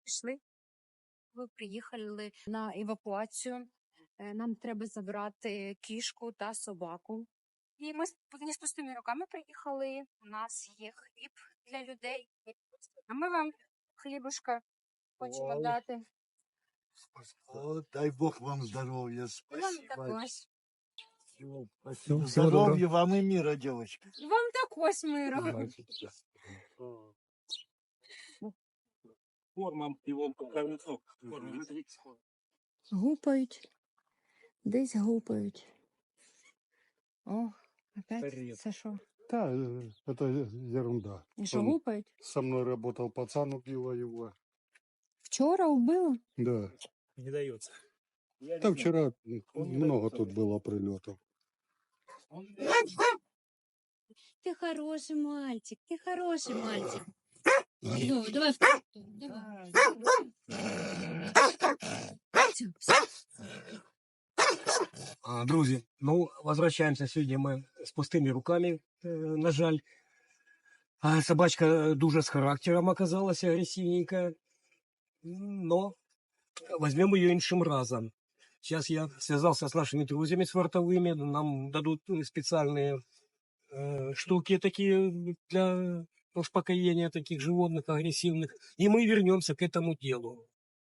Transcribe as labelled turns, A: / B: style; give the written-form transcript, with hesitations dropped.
A: пішли. Ви приїхали на евакуацію. Нам треба забрати кішку та собаку. І ми не з пустими руками приїхали. У нас є хліб для людей. А ми вам хлібушка хочемо дати.
B: О, дай Бог вам здоровья.
A: Вам
B: Спасибо.
A: також.
B: Спасибо. Здоровья вам и мира, девочка.
A: Вам також миру.
C: Формам его концов.
A: Гупають. Десь гупають. О, опять це що?
D: Да, это ерунда.
A: І що,
D: Он
A: гупають?
D: со мной работал пацан, убила его.
A: Вчора вбили?
D: Да.
C: Не дается.
D: Там вчера много тут было прилетов.
A: Ты хороший мальчик, ты хороший мальчик. Ну, давай давай.
C: Друзі, ну, возвращаемся сегодня мы с пустыми руками, на жаль. Собачка дуже с характером оказалась, агрессивненькая. Но возьмем ее іншим разом. Сейчас я связался с нашими друзьями свартовыми, нам дадут специальные штуки такие для успокоения таких животных агрессивных. И мы вернемся к этому делу.